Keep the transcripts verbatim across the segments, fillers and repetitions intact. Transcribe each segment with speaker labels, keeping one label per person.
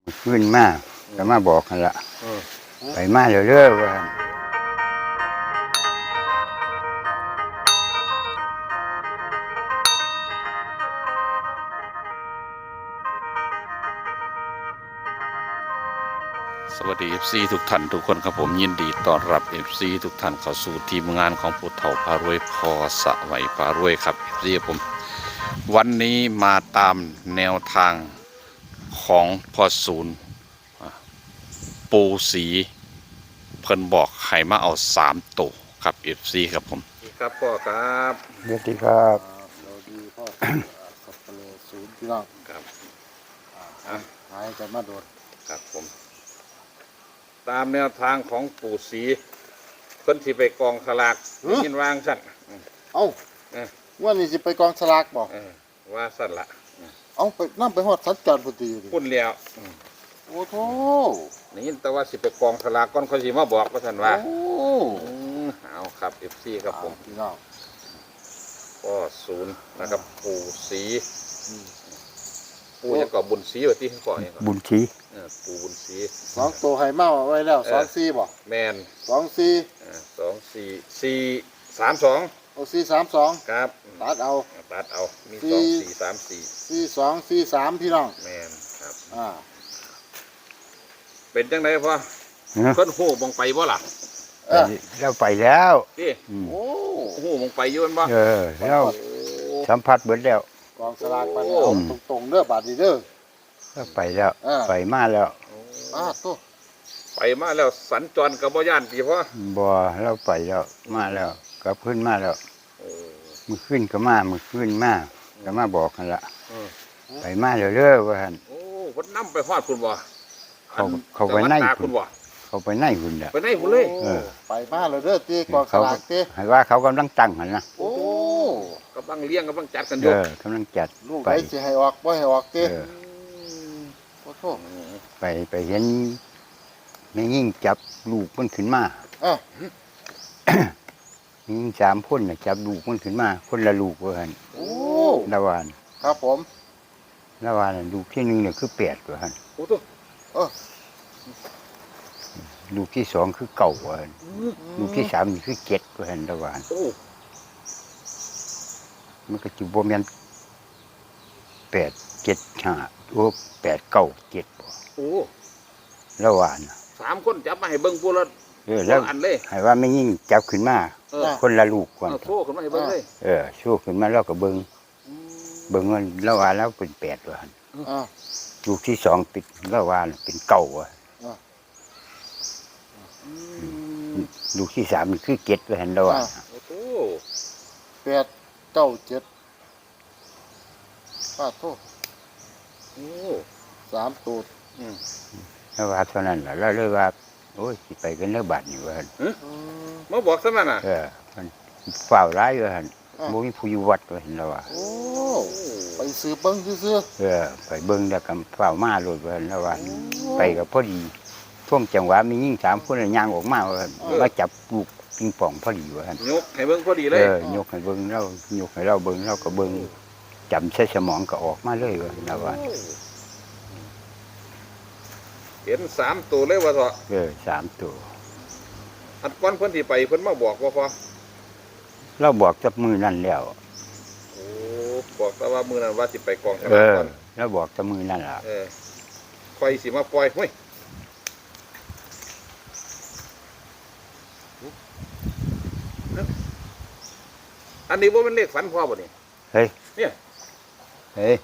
Speaker 1: ขึ้นมาก็มาบอกกันละไปมาเรื่อยๆว่า
Speaker 2: สวัสดี เอฟ ซี ทุกท่านทุกคนครับผมยินดีต้อนรับ เอฟ ซี ทุกท่านเข้าสู่ทีมงานของผู้เฒ่าพารวยพอสะไหวพารวยครับ เอฟ ซี ผมวันนี้มาตามแนวทางของพอศูนย์ปูสีเพิ่นบอกให้มาเอาสามตัวครับ เอฟ ซี ครับผมครับพ่อครับ
Speaker 1: เดี๋ยวที่ครับ
Speaker 3: เราดีพ่อสับเปลือศูนย์พี่น้อง
Speaker 2: ครับ
Speaker 3: อ่าหายกันมาโดด
Speaker 2: ครับผมตามแนวทางของปู่ศรีเพิ่นสิไปกองสลากยินวางสั่น
Speaker 3: เอ้า
Speaker 2: เออ
Speaker 3: ว่านี่สิไปกองสลากบอก
Speaker 2: เออว่าสั่นละ
Speaker 3: เอ้าไปนั่งไปหอดสัญจรพอดีดิ
Speaker 2: พุ่นแล้วอืม
Speaker 3: โอ้โห
Speaker 2: นี่ยินแต่ว่าสิไปกองสลากก่อนเขาสิมาบอกว่าสั่นว่า
Speaker 3: โอ้
Speaker 2: อืมเอาครับ เอฟ ซี ครับผม
Speaker 3: พี่น้อง
Speaker 2: ก็ศูนย์นะครับปู่ศรี
Speaker 3: อืม
Speaker 2: ปู่จะก่อบุญศรีว่าที่ก่อยังก่อน
Speaker 1: บุญชี
Speaker 2: เออปู่บุญศรี
Speaker 3: สองตัวไฮเมาไว้แล้วสองสี่บอก
Speaker 2: แมน
Speaker 3: สองสี่
Speaker 2: เออสองสี่สี่สามสอง
Speaker 3: เอาสี่สามสอง
Speaker 2: ครับ
Speaker 3: ตัดเอา
Speaker 2: ตัดเอามี
Speaker 3: สี่
Speaker 2: สองสี่สามสี่
Speaker 3: สี่สองสี่สามพี่น้อง
Speaker 2: แมนครับ
Speaker 3: อ่า
Speaker 2: เป็นจังไดพ่อ
Speaker 1: เนาะ
Speaker 2: เพิ่นโหมองไปบ่ล่ะ
Speaker 3: เออ
Speaker 1: เราไปแล้ว
Speaker 2: ที่
Speaker 1: อืม
Speaker 3: โอ้
Speaker 2: โหมองไปอยู่แม่นบ่
Speaker 1: เออเรา
Speaker 2: โอ้
Speaker 1: สัมผัสเบิดแล้ว
Speaker 3: กองสลากไป
Speaker 2: โอ้
Speaker 3: เอาตรงๆเด้อบาทดีเด้อ
Speaker 1: เราไปแล้ว
Speaker 3: เออ
Speaker 1: ไปมาแล้ว
Speaker 3: อ่าตัว
Speaker 2: ไปมาแล้วสัญจรกับบ่ย่านติพ่อ
Speaker 1: บ่เราไปแล้วมาแล้วกลับขึ้นมาแล้ว
Speaker 2: โอ้
Speaker 1: มือขึ้นก็มามือขึ้นมาก็มาบอกกันละ
Speaker 2: เออ
Speaker 1: ไปมาเรื่อยๆว่าหั่น
Speaker 2: โอ้เพิ่นนำไปฮอดคุณบ่
Speaker 1: เขา
Speaker 2: อัน
Speaker 1: เขาไปไหน
Speaker 2: จังหวัดตากคุณบ่
Speaker 1: เขาไปไหนคุณเนี่ย
Speaker 2: ไปไหนพุ่นเลย
Speaker 1: เออ
Speaker 3: ไปมาเลยเด้อตีกองส
Speaker 1: เขา
Speaker 3: ลากตี
Speaker 1: ให้ว่าเขากำลังตั้งหันนะ
Speaker 3: โอ้
Speaker 2: กำลังเลี้ยงกำลังจัดกันอ
Speaker 1: เอยู่ อกำลังจัด
Speaker 3: ลูก
Speaker 1: ไป
Speaker 3: ไปสิให้ออกบ่ให้ออกตี
Speaker 1: เออ
Speaker 3: โอ้โห
Speaker 1: ไปไปเห็นไม่ยิ่งจับลูกมันขึ้นมา
Speaker 3: อ่ะ
Speaker 1: มียิ่งสามคนน่ะจับลูกมันขึ้นมา คนละลูกว่าหั่น
Speaker 3: โอ้
Speaker 1: ละวาน
Speaker 3: ครับผม
Speaker 1: ละวานน่ะลูกที่หนึ่งเนี่ยคือแปดว่าหั่น
Speaker 2: โอ้ตัว
Speaker 3: เออ
Speaker 1: ลูกที่สองคือเก่าว่าหั่นลูกที่สามนี่คือเจ็ดว่าหั่นละวาน
Speaker 2: โอ้
Speaker 1: มันก็จุบแมนแปดเจ็ดห้าโอ้แปดเก้าเจ็ดบ่
Speaker 2: โอ้
Speaker 1: ละวานน่ะ
Speaker 2: สามคนจับมาให้เบิ่งพุ่นละ
Speaker 1: เออแล้ว
Speaker 2: อันเลย
Speaker 1: ให้ว่าไม่ยิ่งจับขึ้นมา
Speaker 2: เออ
Speaker 1: คนละลูกก่อน
Speaker 2: เอาโซ่ขึ้นมาให้เบิ่งเลย
Speaker 1: เออชูขึ้นมาแล้วก็เบิง
Speaker 2: อืม
Speaker 1: เบิงว่าละวานแล้วเป็นแปดว่าหั่น
Speaker 3: อ่ะ
Speaker 1: ลูกที่สองเป็นละวานเป็นเก้าว่ะ
Speaker 2: อืม
Speaker 1: ลูกที่สามนี่คือเจ็ดว่าหั่นละวาน
Speaker 2: โอ้โห
Speaker 3: แปดเก้าเจ็ดป้าโทษ
Speaker 2: โอ้
Speaker 3: สามตูด
Speaker 2: อืม
Speaker 1: ละวานเท่านั้นล่ะแล้วเลยว่าโอ้ยสิไปกันเด้อบาดนี่ว่าหั่น
Speaker 3: อืม
Speaker 2: มาบอกซะมันน่ะ
Speaker 1: เออมันฝ่าวร้ายว่าหั่น
Speaker 3: อ่ะ
Speaker 1: บ่มีผู้อยู่วัดว่าหั่นละว่า
Speaker 3: โอ้ไปซื้อเบิ้งซื้อ
Speaker 1: เออไปเบิ่งแล้วก็ฝ่าวมาโลดว่าหั่นละว่า
Speaker 3: โอ้
Speaker 1: ไปก็พอดีช่วงจังหวะมียิ่งสามคนน่ะย่างออกมาว่าหั่นมาจับลูกปิงปองพอดีว่าหั่น
Speaker 2: ยกให้เบิ่งพอดีเล
Speaker 1: เอย อยกให้เบิ่งเรายกให้เราเบิ่งเราก็เบิ่งจำใส่สมองก็ออกมาเลยว่าหั่นละว่า
Speaker 2: เห็นสามตัวเลยว่าเถอะ
Speaker 1: เออสามตัว
Speaker 2: อันก้อนเพิ่นที่ไปเพิ่นมาบอกว่าพอ
Speaker 1: เราบอกจับมือนั่นแล้ว
Speaker 2: โอ้บอกแต่ว่ามื้อนั้นว่าสิไปกองส
Speaker 1: เอ
Speaker 2: ลาก
Speaker 1: อ
Speaker 2: ก่อน
Speaker 1: เราบอกจับมือนั่นล่ะ
Speaker 2: เออคอยสิมาปล่อยเฮ้ยอันนี้ว่ามันเลขฝันพ่อบ่นี่
Speaker 1: เฮ้ย
Speaker 2: เนี่ย
Speaker 1: เฮ้ย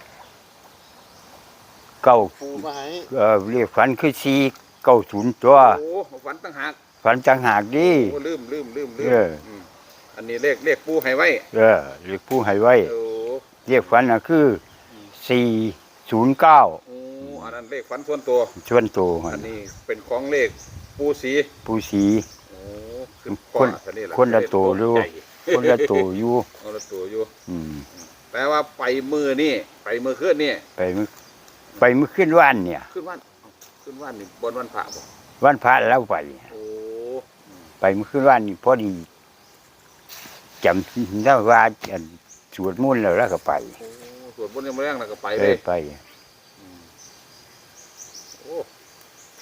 Speaker 1: เก้า
Speaker 3: ปูมาให้
Speaker 1: เออเรียกฝันคือสี่เก้าศูนย์ตัว
Speaker 2: โอ้ฝันตั้งหาก
Speaker 1: ฝันจังหากดิ
Speaker 2: โอ้ลืมลืมลืมลืม
Speaker 1: เออ
Speaker 2: มอันนี้เลขเลขปูให้ไว้
Speaker 1: เออเรียกผู้ให้ไว้
Speaker 2: โอ้
Speaker 1: เรียกฝันน่ะคือสี่ศูนย์เก้า
Speaker 2: โอ้อันนั้นเลขฝันส่วนตัว
Speaker 1: ชวนตัว
Speaker 2: อันนี้เป็นของเลขปูสี
Speaker 1: ผู้สี
Speaker 2: โอ้คือ
Speaker 1: คน
Speaker 2: พ่ออัล่ะ
Speaker 1: คนละตัวดู
Speaker 2: ใหญ่
Speaker 1: คนละตัวอยู่
Speaker 2: คนละตัวอยู่
Speaker 1: อืม
Speaker 2: แปลว่าไปมือนี่ไปมือขึ้นนี่
Speaker 1: ไปมื้อไปมื้อขึ้นวันเนี่ย
Speaker 2: ขึ้นวันเอ้าขึ้นวันนี่บนวันพระบ่
Speaker 1: วันพระแล้วไป
Speaker 2: โอ้
Speaker 1: ไปมื้อขึ้นวันนี่พอดีจำได้ว่าอันสวดมนต์แล้วแล้วก็ไป
Speaker 2: โอ้สวดบนยังไม่แรงแล้วก็ไป
Speaker 1: เอ
Speaker 2: เล
Speaker 1: อย ไป
Speaker 2: โอ้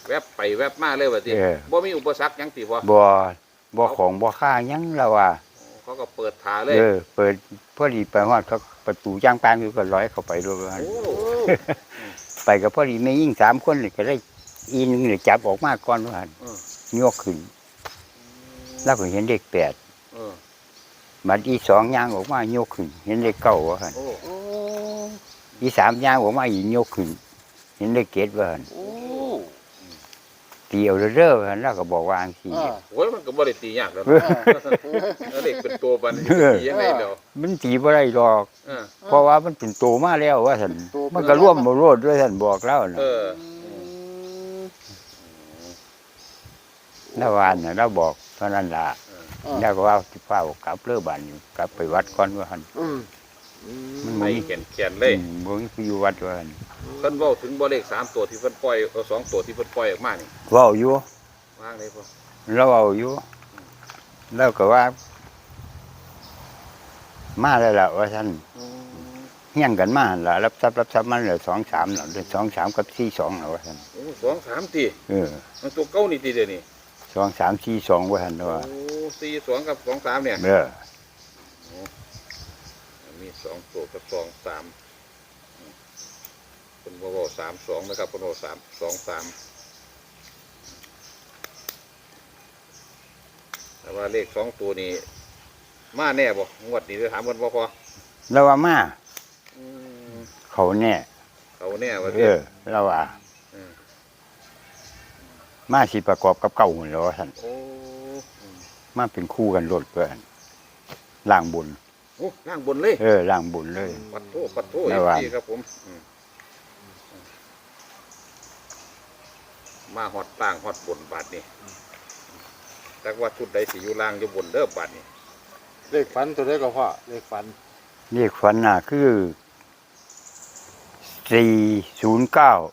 Speaker 2: แวบไปแวบมาเลยว่าติ
Speaker 1: เออ
Speaker 2: บ่มีอุปสรรคหยังติบ่
Speaker 1: บ่บ่ของบ่ค่าหยังแล้วว่า
Speaker 2: เขาก็เปิดทาเลย
Speaker 1: เออเปิดพอดีไปฮอดเขาประตูจ้างปางอยู่ก็ร้อยเข้าไปด้วยว่า
Speaker 2: โอ้
Speaker 1: ไปก็พอดีแม่ยิ่งสามคนนี่ก็ได้อีหนึงนี่จับออกมาก่อนว่าหั่น
Speaker 2: เออ
Speaker 1: ยกขึ้น แล้วก็เห็นเลขแปด
Speaker 2: เออ
Speaker 1: บัดอีสองย่างออกมายกขึ้น เห็นเลขเก้าว่าหั่น
Speaker 2: โอ้
Speaker 3: โอ้
Speaker 1: อีสามย่างออกมาอีกยกขึ้น เห็นเลขเจ็ดว่าหั่น
Speaker 3: โอ้
Speaker 1: ตีเอาเด้อว่าหั่นแล้วก็บอกว่าจังซี่
Speaker 3: อ่า
Speaker 2: โหมันก็บ่ได้ตียากแล้ว
Speaker 1: เออ
Speaker 2: แล้วเด็กเป็นตัวบัดนี้ตียังไงเดี๋ยว
Speaker 1: มันตีบ่ได้ดอก
Speaker 2: เออ
Speaker 1: เพราะว่ามันเป็นโตมาแล้วว่าซั่น
Speaker 3: โตเป็น
Speaker 1: มันก็ร่วมบ่โลดด้วยท่านบอกแล้วน่ะ
Speaker 2: เออ
Speaker 1: แล้ววานน่ะเราบอกเท่านั้นล่ะ
Speaker 3: อ่า
Speaker 1: แล้วก็ว่าสิพาออกกลับเรือบ้านอยู่กลับไปวัดก่อนว่าหั่น
Speaker 3: อืม
Speaker 1: มัน
Speaker 2: ไม่
Speaker 1: บ่มี
Speaker 2: เขียนเขียนเลย
Speaker 1: อืมบ่มีผู้อยู่วัดว่าหั่น
Speaker 2: เพิ่นเว้าถึงบ่เลขสามตัวที่เพิ่นปล่อยเออสองตัวที่เพิ่นปล่อยออกมานี่
Speaker 1: เว้าอยู่
Speaker 2: ว่างเลยพ่อ
Speaker 1: เราเอาอยู่แล้วก็ว่า มาแล้วล่ะว่าท่าน
Speaker 2: อืม
Speaker 1: เฮี้ยงกันมาหั่นล่ะรับทรัพย์รับทรัพย์มันเหลือสองสามแล้วสองสามกับสี่สองแล้วว่าท่าน
Speaker 2: โอ้สองสามตี
Speaker 1: เออ
Speaker 2: มันตัวเก้านี่ตีเดียวนี่
Speaker 1: สองสามสี่สองว่าท่าน
Speaker 2: โอ้
Speaker 1: ว่า
Speaker 2: สี่สองกับสองสามเนี่ย
Speaker 1: เออ
Speaker 2: มีสองตัวกับสองสามอืมเป็นบ่บ่สามสองนะครับเป็นบ่สามสองสามแต่ว่าเลขสองตัวนี้มาแน่บ่งวดนี้จะถามกันบ่พอ
Speaker 1: แล้วว่ามา
Speaker 2: อืม
Speaker 1: เขาแน่
Speaker 2: เขาแน่ว่า
Speaker 1: เออเราว่า
Speaker 2: เออ
Speaker 1: มาสิประกอบกับเก่าหั่นแหล้วว่าท่าน
Speaker 2: โอ้อืม
Speaker 1: มาเป็นคู่กันรถเพื่อนล่างบุญ
Speaker 2: โอ้ล่างบนเลย
Speaker 1: เออล่างบุญเลย
Speaker 2: ปัดโทปัดโท
Speaker 1: แม่
Speaker 2: เอฟ
Speaker 1: ว่า
Speaker 2: ซีครับผมอืมมาฮอดต่างฮอดบนบาทนี่แต่ว่าชุดใดสิอยู่ล่างอยู่บนเด้อบาทนี่
Speaker 3: เลขฝันตัวเลขก็พ่อเลขฝัน
Speaker 1: เรียกฝันน่ะคือสี่ศูนย์เก้า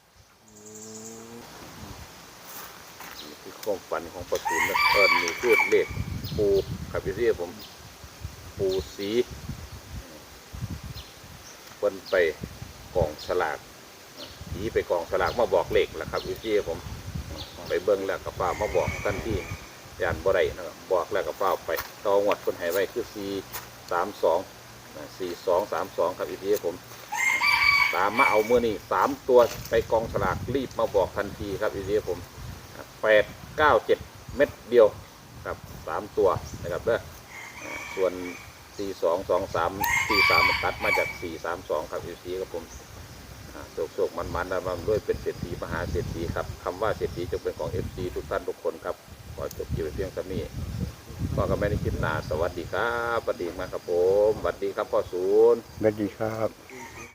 Speaker 2: นี่คือความฝันของประสูนนะเอิญนี่คือเลขปูครับพี่เรียผม ปูสีเพิ่นไปกองสลากผีไปกองสลากมาบอกเลขแหละครับพี่เรียผม ไปเบิ้งแล้วกับฟ้ามาบอกท่านที่ยานบ่ได้นะครับบอกแล้วกับฟ้าไปต่องวดคนใหายไว้คือสี่สามสองสี่สองสามสองครับอีกทีผม ตามมาเอาเมื่อนี้สามตัวไปกองสลากรีบมาบอกทันทีครับอีกทีผมแปดเก้าเจ็ดเม็ดเดียวครับสามตัวนะครับเด้ออ่าส่วนสี่สองสองสามสี่สามมันตัดมาจากสี่สามสองครับอีกทีครับผมโศกโศกมันมันนะมันด้วยเป็นเศรษฐีมหาเศรษฐีครับคำว่าเศรษฐีจงเป็นของเอฟซีทุกท่านทุกคนครับขอจบชีวิตเพียงเท่านี้ก็ก็ไม่ได้คิดนาสวัสดีครับสวัสดีมากครับผมสวัสดีครับพ่อศูนย์
Speaker 1: สวัสดีครับ